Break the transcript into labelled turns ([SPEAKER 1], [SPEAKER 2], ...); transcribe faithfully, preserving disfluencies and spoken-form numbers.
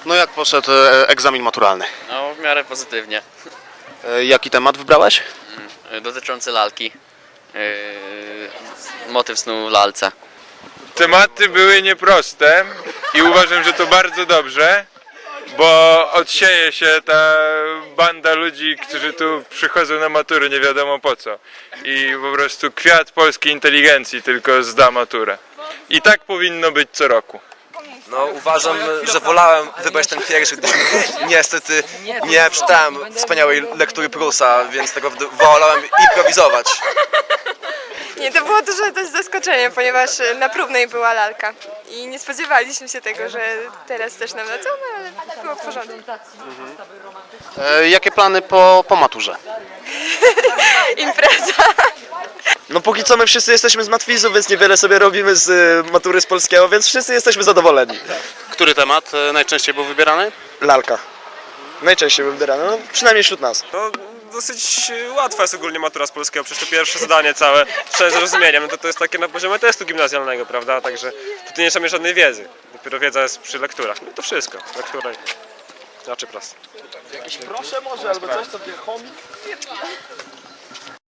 [SPEAKER 1] No jak poszedł e, egzamin maturalny?
[SPEAKER 2] No, w miarę pozytywnie.
[SPEAKER 1] E, Jaki temat wybrałeś?
[SPEAKER 2] Mm, Dotyczący lalki. Yy, motyw snu w lalce.
[SPEAKER 3] Tematy były nieproste i uważam, że to bardzo dobrze, bo odsieje się ta banda ludzi, którzy tu przychodzą na matury nie wiadomo po co. I po prostu kwiat polskiej inteligencji tylko zda maturę. I tak powinno być co roku.
[SPEAKER 4] No uważam, że wolałem wybrać ten pierwszy, gdyż niestety nie przeczytałem wspaniałej lektury Prusa, więc tego wolałem improwizować.
[SPEAKER 5] Nie, to było duże dość zaskoczenie, ponieważ na próbnej była lalka i nie spodziewaliśmy się tego, że teraz też nam lecą, no, ale było w porządku.
[SPEAKER 1] E, Jakie plany po, po maturze?
[SPEAKER 5] Impreza.
[SPEAKER 4] No póki co my wszyscy jesteśmy z matwizu, więc niewiele sobie robimy z y, matury z polskiego, więc wszyscy jesteśmy zadowoleni.
[SPEAKER 1] Który temat e, najczęściej był wybierany?
[SPEAKER 4] Lalka. Najczęściej był wybierany, no przynajmniej wśród nas.
[SPEAKER 6] No, dosyć łatwa jest ogólnie matura z polskiego, przecież to pierwsze zadanie całe, z zrozumieniem, no to, to jest takie na poziomie testu gimnazjalnego, prawda, także tutaj nie trzeba mieć żadnej wiedzy, dopiero wiedza jest przy lekturach, no to wszystko, lektura i raczej proste.
[SPEAKER 4] Proszę może, albo coś, to chomik.